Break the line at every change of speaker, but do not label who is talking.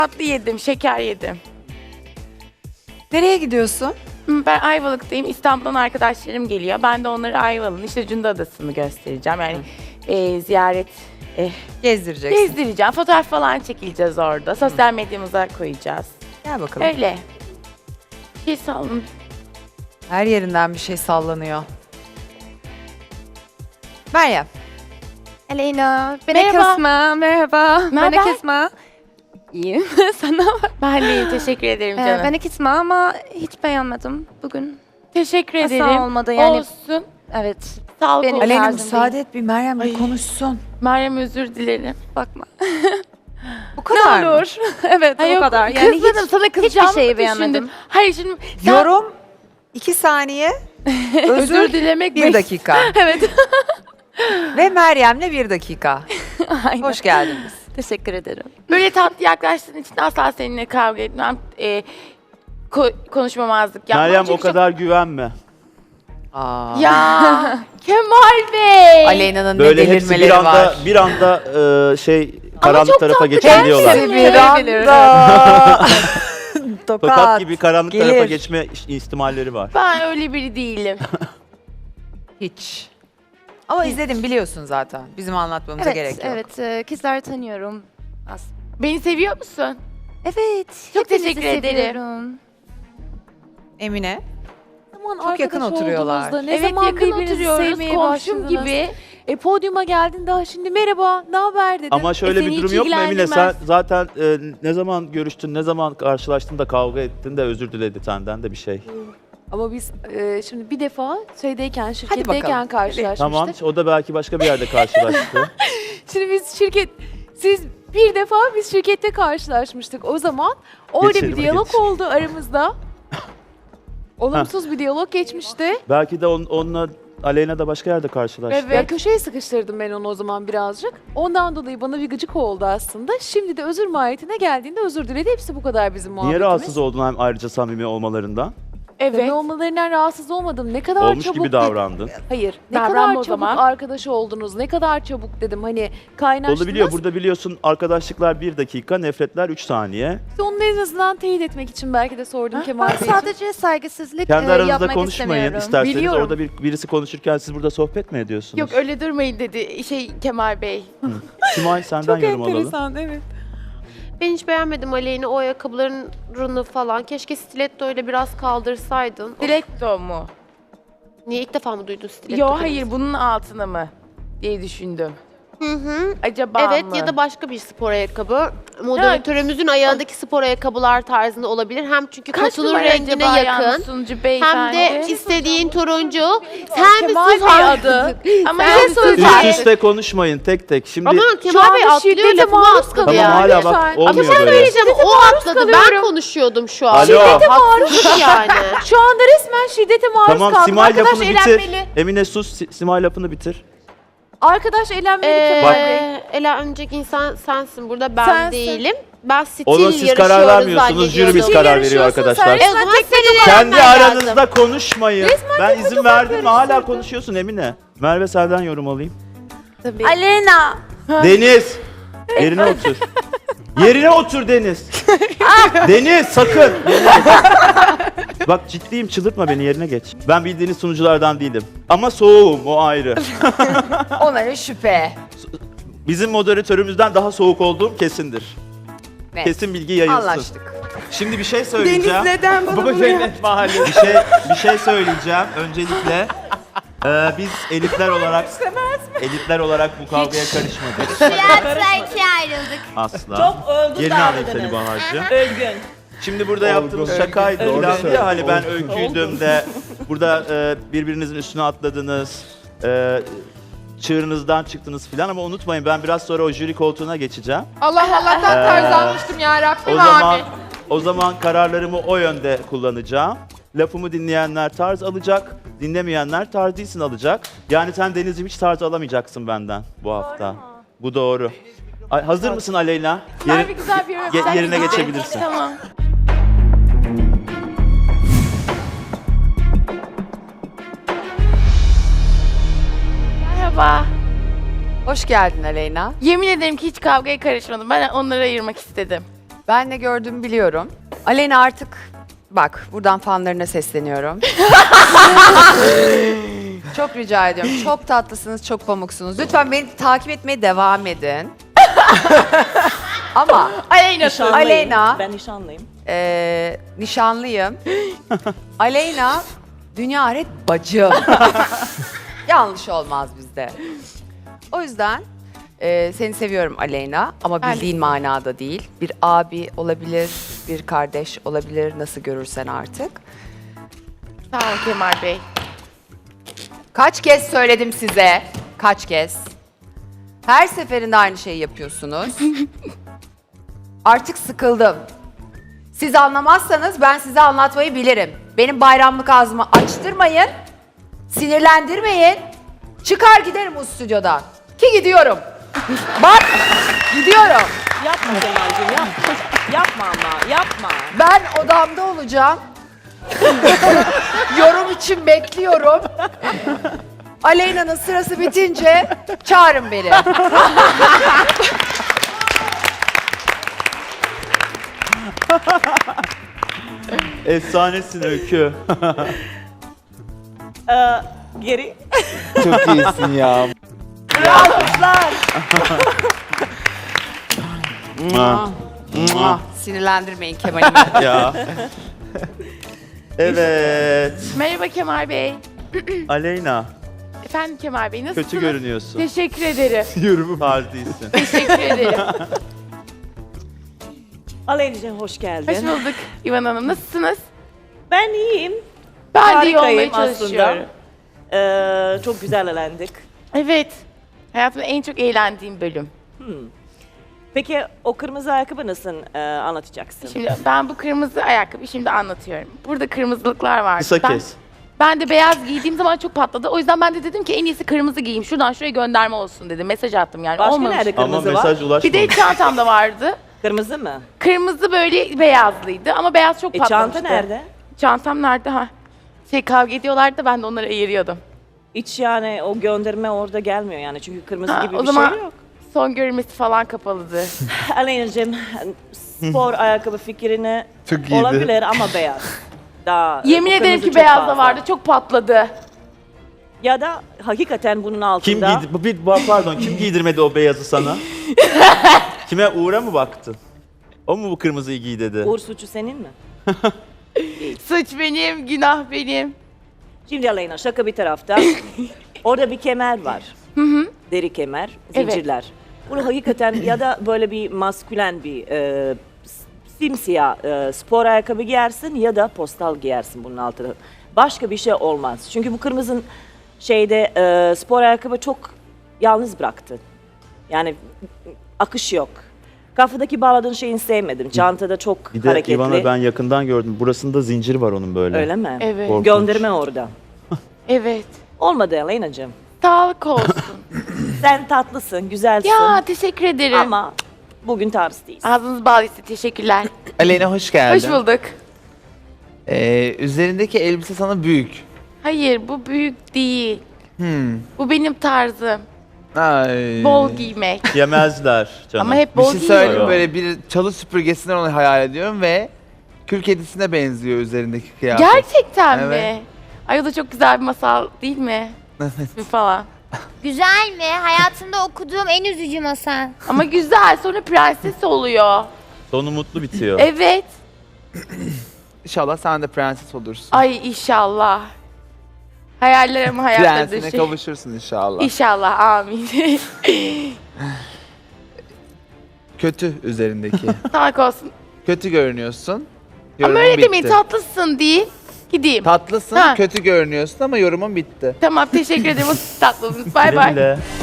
Tatlı yedim, şeker yedim.
Nereye gidiyorsun?
Ben Ayvalık'tayım. İstanbul'dan arkadaşlarım geliyor. Ben de onlara Ayvalık'ın işte Cunda Adası'nı göstereceğim. Yani ziyaret
Gezdireceksin.
gezdireceğim. Fotoğraf falan çekileceğiz orada. Sosyal medyamıza koyacağız.
Gel bakalım.
Öyle. Bir şey salın.
Her yerinden bir şey sallanıyor. Meryem.
Aleyna,
Merhaba.
Esma, merhaba.
Naber?
Ben Esma. İyiyim, sana?
Ben de iyi, teşekkür ederim canım.
Ben Esma ama hiç beğenmedim bugün.
Teşekkür
Asla
ederim.
olmadı yani.
Olsun.
Evet,
Sağlık
Benim-
olsun.
Aleyna
tarzım
müsaade et bir Meryem bir
Ay.
konuşsun.
Meryem özür dilerim.
bakma.
Bu kadar mı?
Evet,
Hayır,
o kadar. Yani
kızmadım, sana kızacağımı
hiçbir şeyi
düşündüm.
beğenmedim.
Hayır şimdi sen
Yorum 2 saniye.
özür dilemek
1 dakika.
Evet.
Ve Meryem'le 1 dakika.
Aynen.
Hoş geldiniz.
Teşekkür ederim.
böyle tatlı yaklaştığın için asla seninle kavga etmem. Konuşmamazlık yapmam.
Meryem o
Çünkü
kadar güvenme.
Aa.
çok... Ya Kemal Bey.
Aleyna'nın ne
Böyle hepsi
delirmeleri var.
bir anda karanlık
çok
tarafa
tatlı
geçebiliyorlar.
gerçekten.
Bir anda.
Tokat gibi karanlık tarafa
Gelir.
geçme ihtimalleri var.
Ben öyle biri değilim.
Hiç. Ama izledim biliyorsun zaten. Bizim anlatmamıza
Evet,
gerek yok.
evet. Kızları tanıyorum.
Beni seviyor musun?
Evet.
Çok
hepinizi
teşekkür ederim.
seviyorum.
Emine.
Çok
yakın oturuyorlar.
Ne
Evet,
zaman
yakın
birbirinizi
oturuyoruz,
sevmeye
komşum
başladınız?
gibi.
Podyuma geldin daha şimdi merhaba, ne haber dedim.
Ama şöyle
seni
bir
hiç
durum yok mu Emine? Sen
ilgilendirmez.
zaten ne zaman görüştün, ne zaman karşılaştın da kavga ettin de özür diledi senden de bir şey.
Ama biz şimdi bir defa şeydeyken,
bakalım.
şirketteyken karşılaşmıştık.
Tamam, o da belki başka bir yerde karşılaştı.
Şimdi siz bir defa biz şirkette karşılaşmıştık. O zaman orada
Geçelim,
bir diyalog
geç.
oldu aramızda. Olumsuz bir diyalog geçmişti.
Belki de onunla Aleyna da başka yerde karşılaştı.
Evet.
Ya köşeye sıkıştırdım ben onu o zaman birazcık. Ondan dolayı bana bir gıcık oldu aslında. Şimdi de özür mahiyetine geldiğinde özür diledi. Hepsi bu kadar bizim
Niye
muhabbetimiz.
rahatsız oldun hem ayrıca samimi olmalarından?
Evet.
Samimi olmalarından rahatsız olmadım. Ne kadar
Olmuş
çabuk
gibi davrandın.
Hayır. Ne
Davranma
kadar
o
çabuk
zaman.
arkadaş oldunuz. Ne kadar çabuk dedim. Hani kaynaştınız.
Olabiliyor. Burada biliyorsun arkadaşlıklar 1 dakika, nefretler 3 saniye.
İşte onu en azından teyit etmek için belki de sordum Kemal
Ben
Beyciğim.
sadece saygısızlık
Kendi aranızda
yapmak
konuşmayın
istemiyorum.
isterseniz.
Biliyorum.
Orada birisi konuşurken siz burada sohbet mi ediyorsunuz?
Yok öyle durmayın dedi Kemal Bey.
Simay senden
Çok
yorum alalım.
enteresan, evet.
Ben hiç beğenmedim Aleyna o ayakkabılarını falan. Keşke stiletto ile biraz kaldırsaydın.
Stiletto mu?
Niye ilk defa mı duydun stiletto?
Yo
kelimesi?
hayır bunun altına mı diye düşündüm.
Hı hı.
Acaba
Evet
mı?
ya da başka bir spor ayakkabı. Moderatörümüzün ayağındaki spor ayakkabılar tarzında olabilir. Hem çünkü
Kaç
katılır
numara
rengine
acaba
yakın.
yani sunucu
Hem
beyefendi?
de istediğin turuncu. Sen bir
Kemal
sus
Bey
artık.
adı. Ama
Sen
ben
sus
söyleyeceğim.
Üst üste konuşmayın tek tek. Şimdi
Ama Kemal Bey
anda
atlıyor
şiddete
lafımı
maruz
atladı
tamam
ya.
hala
lütfen.
bak
Ama
olmuyor
bir şey
böyle.
söyleyeceğim. O atladı. Ben konuşuyordum şu an.
Alo.
Haksızlık yani.
Şu anda resmen şiddete maruz
Tamam
kaldım.
Simay
Arkadaş
lafını bitir.
eğlenmeli.
Emine sus Simay lafını bitir.
Arkadaş eğlenmeli Kemal Bey.
Elenecek insan sensin burada ben
Sensin.
değilim. Ben stil
Ona siz
yarışıyoruz
karar vermiyorsunuz. Jürimiz
zannediyordum.
karar veriyor arkadaşlar.
O zaman senin
Kendi
eğlenmen
aranızda
lazım.
konuşmayın. Ben izin verdim mi hala konuşuyorsun Emine. Merve senden yorum alayım.
Tabii.
Aleyna.
Deniz. Yerine otur. Yerine otur Deniz. Deniz sakın. Yerine geç. Bak ciddiyim çıldırtma beni yerine geç. Ben bildiğiniz sunuculardan değilim. Ama soğuğum o ayrı.
Onlara şüphe.
Bizim moderatörümüzden daha soğuk olduğum kesindir.
Net.
Kesin bilgi yayılsın.
Anlaştık.
Şimdi bir şey söyleyeceğim.
neden bana bunu yaptı?
Bir şey söyleyeceğim. Öncelikle biz elitler olarak bu kavgaya karışmadık.
Tiyatro ikiye ayrıldık.
Asla. Çok olgun Yerini alayım seni Bahar'cığım. Şimdi burada yaptığımız şakaydı falan diye hani ben öyküydüm de burada birbirinizin üstüne atladınız. Çığırınızdan çıktınız filan ama unutmayın ben biraz sonra o jüri koltuğuna geçeceğim.
Allah'tan tarz almıştım ya Rabbim
O zaman kararlarımı o yönde kullanacağım. Lafımı dinleyenler tarz alacak, dinlemeyenler tarz değilsin alacak. Yani sen Deniz'im hiç tarz alamayacaksın benden bu hafta. Bu doğru. Hazır mısın Aleyna?
Bir güzel bir yorum. Sen
Yerine
gidin.
geçebilirsin.
Tamam. Merhaba.
Hoş geldin Aleyna.
Yemin ederim ki hiç kavgaya karışmadım. Ben onları ayırmak istedim.
Ben ne gördüğümü biliyorum. Aleyna artık bak buradan fanlarına sesleniyorum. Çok rica ediyorum. Çok tatlısınız, çok pamuksunuz. Lütfen beni takip etmeye devam edin. Ama Aleyna,
Ben nişanlıyım.
nişanlıyım. Aleyna, dünya aret bacım. Yanlış olmaz bizde. O yüzden seni seviyorum Aleyna ama
Ben de
bildiğin manada değil. Bir abi olabilir, bir kardeş olabilir, nasıl görürsen artık.
Sağ olun Kemal Bey.
Kaç kez söyledim size? Kaç kez? Her seferinde aynı şeyi yapıyorsunuz. Artık sıkıldım. Siz anlamazsanız ben size anlatmayı bilirim. Benim bayramlık ağzımı açtırmayın. Sinirlendirmeyin. Çıkar giderim bu stüdyodan. Ki gidiyorum. Bak gidiyorum.
Yapma Kemal'cim yapma. Yapma ama yapma.
Ben odamda olacağım. Yorum için bekliyorum. Aleyna'nın sırası bitince çağırın beni.
Efsanesin Öykü.
Geri.
Çok iyisin ya.
Alkışlar.
Sinirlendirmeyin Kemal'imi.
Ya. Evet.
Merhaba Kemal Bey.
Aleyna,
Efendim Kemal Bey nasılsınız?
kötü görünüyorsun.
Teşekkür ederim.
Tarz değilsin.
Teşekkür ederim.
Aleyna'cığım hoş geldin.
Hoş bulduk İvan Hanım. Nasılsınız?
Ben iyiyim.
Ben de iyi olmaya
Harikayım
çalışıyorum.
Çok güzel eğlendik.
Evet. Hayatımda en çok eğlendiğim bölüm.
Peki o kırmızı ayakkabı nasıl anlatacaksın?
Şimdi ben bu kırmızı ayakkabıyı şimdi anlatıyorum. Burada kırmızılıklar var.
Kısa kes.
Ben de beyaz giydiğim zaman çok patladı. O yüzden ben de dedim ki en iyisi kırmızı giyeyim. Şuradan şuraya gönderme olsun dedim. Mesaj attım yani.
Başka
Olmamış.
nerede
Ama
kırmızı var?
mesaj
Bir
ulaşmadı.
de çantamda vardı.
Kırmızı mı?
Kırmızı böyle beyazlıydı ama beyaz çok patlamıştı.
Çanta nerede?
Çantam nerede ha? Kavga ediyorlardı da ben de onları ayırıyordum.
Hiç yani o gönderme orada gelmiyor yani çünkü kırmızı
Ha,
gibi
o
bir
zaman
şey yok.
son görülmesi falan kapalıdı.
Aleyna'cığım spor ayakkabı fikrini
Çok iyiydi.
olabilir ama beyaz. Daha,
Yemin
o
ederim
kırmızı
ki
çok
beyaz da
fazla.
vardı. Çok patladı.
Ya da hakikaten bunun
Kim
altında
giydi? Pardon, kim giydirmedi o beyazı sana? Kime, Uğur'a mı baktın? O mu bu kırmızıyı giy dedi?
Uğur suçu senin mi?
Suç benim, günah benim.
Şimdi Aleyna şaka bir tarafta. Orada bir kemer var. Deri kemer,
Evet.
zincirler. Bunu hakikaten ya da böyle bir maskülen bir simsiyah spor ayakkabı giyersin ya da postal giyersin bunun altına. Başka bir şey olmaz. Çünkü bu kırmızı şeyde spor ayakkabı çok yalnız bıraktı. Yani akış yok. Kafadaki bağladığın şeyini sevmedim. Çantada çok
Bir de
hareketli.
İvan'a ben yakından gördüm. Burasında zincir var onun böyle.
Öyle mi?
Evet.
Korkunç.
Gönderme orada.
Evet.
Olmadı Aleyna'cığım.
Sağlık olsun.
Sen tatlısın, güzelsin.
Ya teşekkür ederim.
Ama bugün tarz değilsin.
Ağzınız bal ise teşekkürler.
Aleyna hoş geldin.
Hoş bulduk.
Üzerindeki elbise sana büyük.
Hayır bu büyük değil. Bu benim tarzım.
Ay.
Bol giymek.
Yemezler canım.
Ama hep
Bir
bol
şey söyleyeyim
giyiyorum.
böyle bir çalı süpürgesinden onu hayal ediyorum ve kül kedisine benziyor üzerindeki kıyafet.
Gerçekten
Evet.
mi? Ay o da çok güzel bir masal değil mi? Bir falan.
Güzel mi? Hayatımda okuduğum en üzücü masal.
Ama güzel. Sonra prenses oluyor.
Sonu mutlu bitiyor.
Evet.
İnşallah sen de prenses olursun.
Ay inşallah. Hayaller ama hayatta
Prensine
dışı.
kavuşursun inşallah.
İnşallah amin.
Kötü üzerindeki.
Sağlık olsun.
Kötü görünüyorsun.
Ama
Yorumun
öyle
bitti.
demeyin tatlısın değil. Gideyim.
Tatlısın,
Ha.
kötü görünüyorsun ama yorumun bitti.
Tamam teşekkür ederim. O siz tatlısınız. Bay
Güle
bay.
güle.